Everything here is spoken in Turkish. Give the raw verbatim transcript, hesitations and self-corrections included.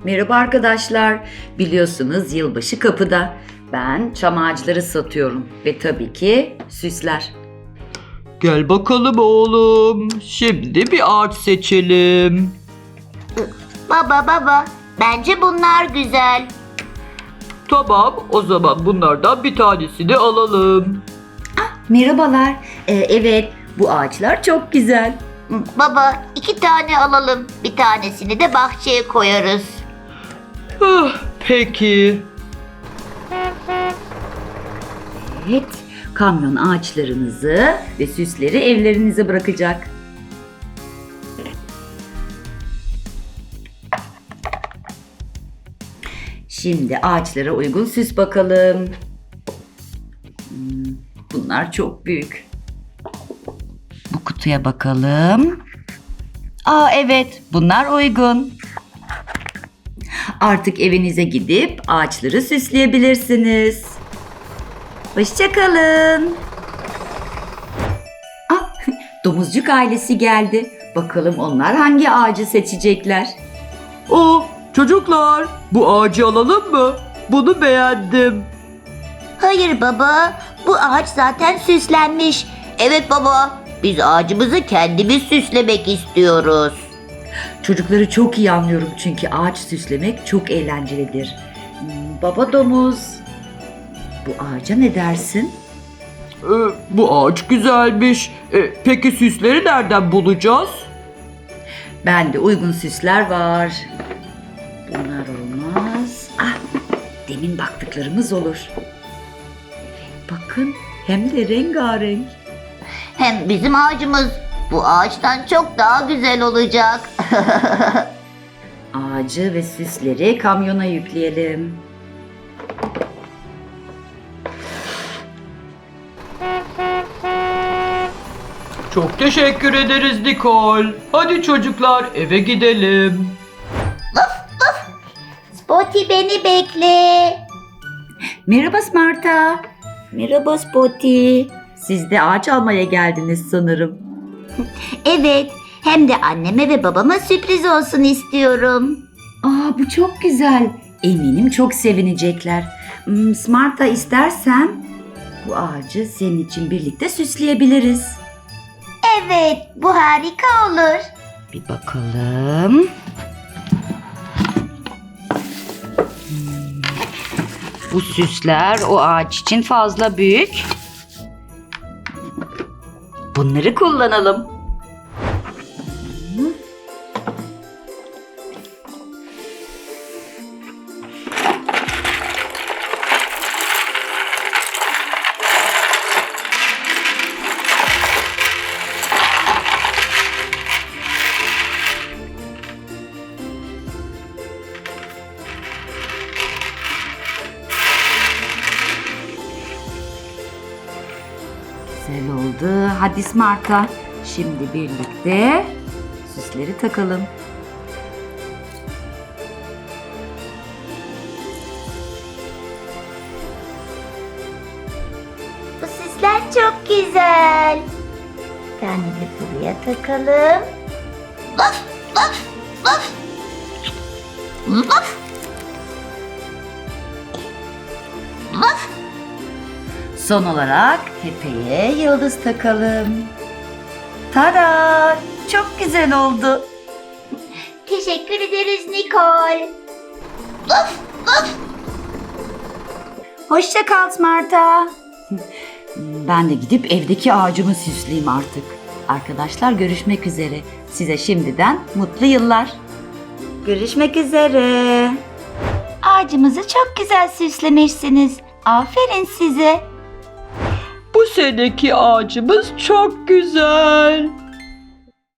Merhaba arkadaşlar. Biliyorsunuz yılbaşı kapıda. Ben çam ağaçları satıyorum ve tabii ki süsler. Gel bakalım oğlum. Şimdi bir ağaç seçelim. Baba baba, bence bunlar güzel. Tamam, o zaman bunlardan bir tanesini alalım. Merhabalar. Ee, evet, bu ağaçlar çok güzel. Baba, iki tane alalım. Bir tanesini de bahçeye koyarız. Ah, peki. Evet, kamyon ağaçlarınızı ve süsleri evlerinize bırakacak. Şimdi ağaçlara uygun süs bakalım. Hmm, Bunlar çok büyük. Bu kutuya bakalım. Aa evet, bunlar uygun. Artık evinize gidip ağaçları süsleyebilirsiniz. Hoşça kalın. Ah, domuzcuk ailesi geldi. Bakalım onlar hangi ağacı seçecekler? Oh, çocuklar, bu ağacı alalım mı? Bunu beğendim. Hayır baba, bu ağaç zaten süslenmiş. Evet baba, biz ağacımızı kendimiz süslemek istiyoruz. Çocukları çok iyi anlıyorum çünkü ağaç süslemek çok eğlencelidir. Hmm, Baba domuz, bu ağaca ne dersin? Ee, bu ağaç güzelmiş. Ee, peki süsleri nereden bulacağız? Bende uygun süsler var. Bunlar olmaz. Ah, demin baktıklarımız olur. Evet, bakın hem de rengarenk. Hem bizim ağacımız bu ağaçtan çok daha güzel olacak. Ağacı ve süsleri kamyona yükleyelim. Çok teşekkür ederiz Nicole. Hadi çocuklar, eve gidelim. Spotty beni bekle. Merhaba Smarta. Merhaba Spotty. Siz de ağaç almaya geldiniz sanırım. Evet, hem de anneme ve babama sürpriz olsun istiyorum. Aa, bu çok güzel. Eminim çok sevinecekler. Hmm, Smarta, istersen bu ağacı senin için birlikte süsleyebiliriz. Evet, bu harika olur. Bir bakalım. Hmm, Bu süsler o ağaç için fazla büyük. Bunları kullanalım. Güzel oldu. Hadi Smarta. Şimdi birlikte süsleri takalım. Bu süsler çok güzel. Bir tane de buraya takalım. Vaf, vaf, vaf. Vaf. Vaf. Son olarak tepeye yıldız takalım. Tada! Çok güzel oldu. Teşekkür ederiz Nicole. Vaf, vaf. Hoşça kal Smarta. Ben de gidip evdeki ağacımı süsleyeyim artık. Arkadaşlar, görüşmek üzere. Size şimdiden mutlu yıllar. Görüşmek üzere. Ağacımızı çok güzel süslemişsiniz. Aferin size. Bu seneki ağacımız çok güzel.